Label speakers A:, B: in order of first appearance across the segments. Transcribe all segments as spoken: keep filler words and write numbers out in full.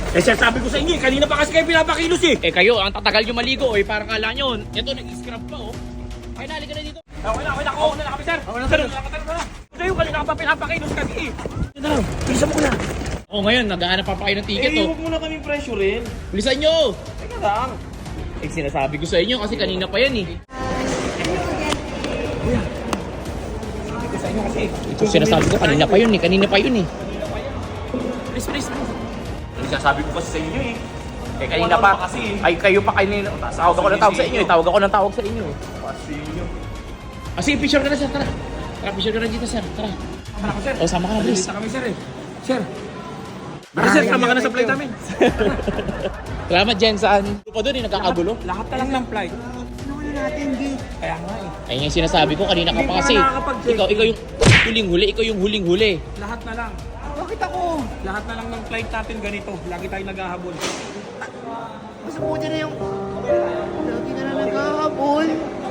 A: Eh sir, sabi ko sa inyo, eh, kanina pa kasi kayo pinapakilos eh.
B: Eh kayo, ang tatagal nyo maligo eh, parang kala nyo. Ito, nag-scrub pa oh. Ay, nali ka na dito.
A: Okay na, okay na, okay na kami sir. Okay na sir. Nakatagal ka na. Sa'yo, kanina ka pa pinapakilos kasi eh. Ito na, bilisan mo ko na.
B: Oh, ngayon, naghahanap pa pa kayo ng ticket
A: Eh,
B: oh.
A: huwag mo na kami pressure rin.
B: Bilisan nyo!
A: Teka lang.
B: Eh, sinasabi ko sa inyo kasi kanina pa yan eh.
A: Sabi ko sa inyo kasi.
B: Ito sinasabi ko, kanina pa yun eh, kanina pa yun eh.
A: Please, please, please. Sinasabi ko kasi sa inyo eh.
B: Eh, kanina pa,
A: kasi eh.
B: ay kayo pa kanina. Tawag ako ng tawag sa inyo eh, tawag ako ng tawag sa inyo eh.
A: Kasi inyo.
B: Ah, sige, picture ka na sir, tara. Tara, picture ka na dito sir, tara.
A: Sama na ako sir.
B: O, sama ka na, please.
A: Sa kami sir eh. Sir. Baka sir, sama ka na sa flight namin.
B: Salamat, Jensan. Ito pa doon eh, nagkakagulo.
A: Lahat na lang ng flight. Ano natin, gate. Kaya nga eh.
B: Ayun yung sinasabi ko, kanina ka
A: Hindi
B: pa
A: pa
B: kasi.
A: nakakapag-check.
B: Ikaw, ikaw yung huling-huli, ikaw yung huling-huli.
A: Lahat na lang. Bakit ako? Lahat na lang ng flight natin ganito. Lagi tayo naghahabol.
C: Mas buti na yung... Lagi na lang nagkakapon.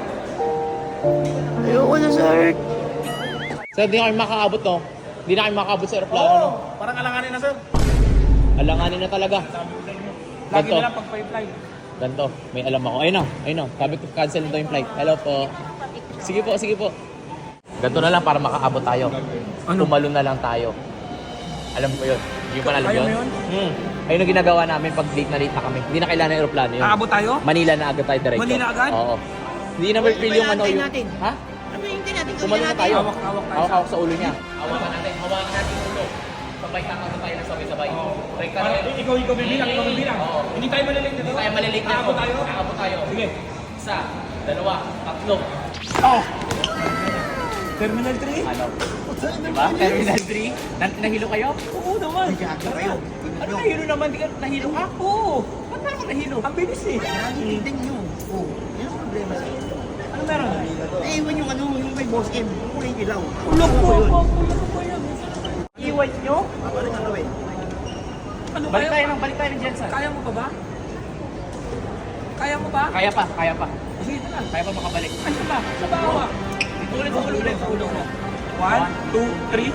C: Ayoko na, sir.
B: Sir, hindi na kayo makakaabot no? Hindi na kayo makakaabot sa aeroplano no?
A: Parang alanganin na sir.
B: Alanganin na talaga.
A: Lagi
B: Ganto.
A: na lang pag flight.
B: Ganto, may alam ako. Ayun na, ayun na. Sabi ko cancel na daw yung flight. Hello po. Sige po, sige po. Ganto na lang para makaabot tayo.
A: Ano?
B: Tumalon na lang tayo. Alam ko yun. Hindi pa alam
A: Kaya
B: yun?
A: mo yun?
B: Hmm. Ayun ang ginagawa namin pag late na late na kami. Hindi na kailangan ng aeroplano yun.
A: Aabot tayo?
B: Manila na agad tayo diretso.
A: Manila agad?
B: Oo. Hindi na feel yung ano yung...
C: natin?
B: Ha?
C: Ano yung hindi natin?
B: Tumalon na tayo.
A: Hawak, hawak tayo.
B: Hawak-hawak sa ulo niya. Hawakan natin. Hawakan natin yung ulo. Sabay kakagod tayo na sabay-sabay. Break ka
A: Ano,
B: na.
A: ikaw, ikaw bibilang, ikaw bibilang.
B: Oo.
A: Hindi tayo malilate dito.
B: Hindi tayo malilate na.
A: Aabot tayo?
B: Aabot tayo.
A: Sige.
B: Isa, dalawa, tatlo.
A: Oh! Terminal three?
B: Ano? Diba? Terminal three? Na nahilo kayo?
A: Oo naman.
C: Gaga kayo.
B: Ano nahilo naman? Di ka nahilo ka?
A: Oo.
B: Ba't na ako nahilo?
A: Ang bilis eh.
C: Nangititin nyo. Oh, yun ang problema sa inyo.
A: Ano meron?
C: Naiwan yung ano, yung kay Boss M. Yung kulay dilaw.
A: Ulok
C: Ano
A: po
C: yun?
A: ako. Ulok po yan. Iwan nyo?
C: Babalik ang gawin.
A: Ano
B: Balik
A: kaya?
B: tayo ng balik tayo ng Jensen.
A: Kaya mo pa ba? Kaya mo ba?
B: Kaya pa, kaya pa.
A: Sige na lang.
B: Kaya pa makabalik.
A: Ano ba? Sa bawa.
B: Dito ulit, sa ulo ulit, sa ulo mo.
A: One, two, three.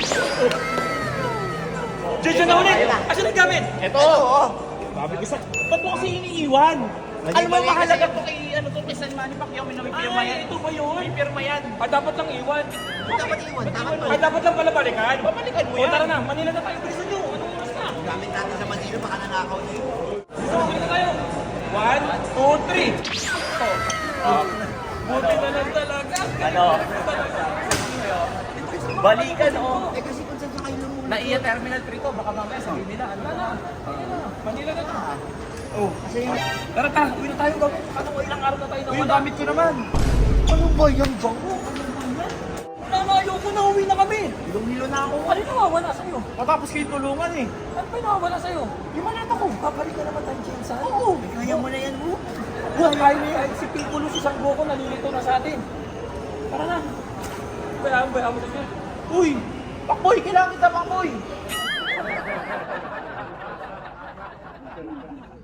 A: Diyan na ulit! Asan ang gamit?
B: Ito!
A: Sabi ko sa...
B: Ba't mo kasi iniiwan? Ano ba mahalaga to kay, ano to, kay San Manny Pacquiao? May may pirma yan.
A: Ay, ito ba yun?
B: May pirma yan.
A: Ah, dapat lang iwan.
C: Dapat iwan. Dapat
A: Ay,
C: iwan.
A: dapat lang pala balikan.
B: Babalikan mo
A: O,
B: yan.
A: tara na. Manila na tayo. Bilisan nyo. Anong oras na?
C: Gamit natin sa Manila, baka nanakaw nyo.
A: Bilisan na tayo. One, two, three. Oh. Buti na lang talaga.
B: Ano? Balikan, oh.
C: Eh kasi kung saan sa kayo lumulong.
B: Naiya Terminal three to, baka mamaya sabihin nila, ano na?
A: Manila na to. Oh.
C: Kasi yung...
A: Tara, tara. Uwi na tayo. Ano ko, ilang araw na tayo na
C: Yung gamit ko naman. Ano ba yan, bango?
A: Wala na, ayoko na. Uwi na kami.
C: Ilong-hilo na ako.
A: Ano nawawala sa'yo?
B: Matapos kayo tulungan eh.
A: Ano ba nawawala sa'yo?
C: Yung malata ko.
A: Babalik ka naman tayo, Jensan. Oo.
C: Kaya mo na yan, mo.
A: Kaya niya, si Piccolo, si Sanggoko, nalilito na sa atin. Tara na. Bayaan, bayaan mo na siya.
B: Uy! Pakboy! Kailangan kita, Pakboy!